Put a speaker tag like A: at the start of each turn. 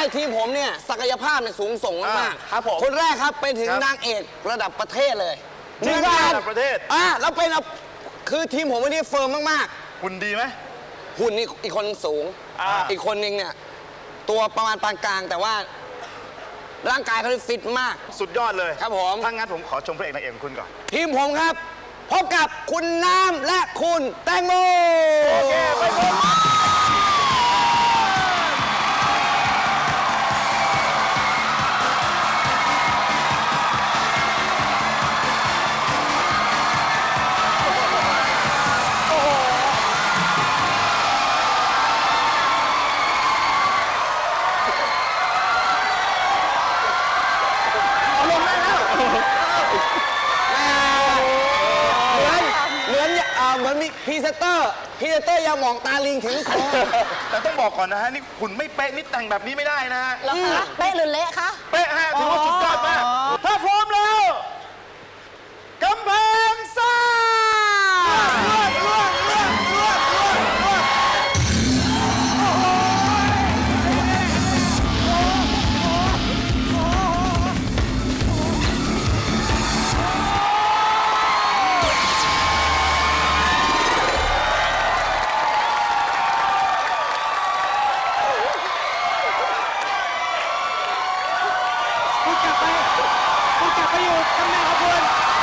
A: ทีมผมเนี่ยศักยภาพเนี่ยสูงส่งมากๆ
B: ครับผม
A: คนแรกครับเป็นถึงนางเอกระดับประเทศเลย
B: จริงเหรอระดับประเทศ
A: แล้วเป็นคือทีมผมวันนี้เฟิร์มมาก
B: หุ่นดีไหม
A: ๆหุ่นนี่อีกคนสูง อีกคนนึงเนี่ยตัวประมาณปานกลางแต่ว่าร่างกายเขาฟิตมาก
B: สุดยอดเลย
A: ครับผม
B: ถ้างั้นผมขอชมพระเอกนางเอกของคุณก่อน
A: ทีมผมครับพบกับคุณน้ำและคุณแตงโม
B: โอเคไปพบ
A: เหมือนมีพรีเซนเตอร์ยาหมองตาลิงถึงคอ
B: แต่ต้องบอกก่อนนะฮะนี่หุ่นไม่เป๊ะนี่แต่งแบบนี้ไม่ได้นะฮะ
C: แล้วคะเป๊ะหรือเละคะ
B: เป๊ะฮะถือว่าสุดยอดมากถ้าพร้อมแล้วกำแพงซ่า
D: คุณกลับไปอยู่ตำแหน่งของคุณ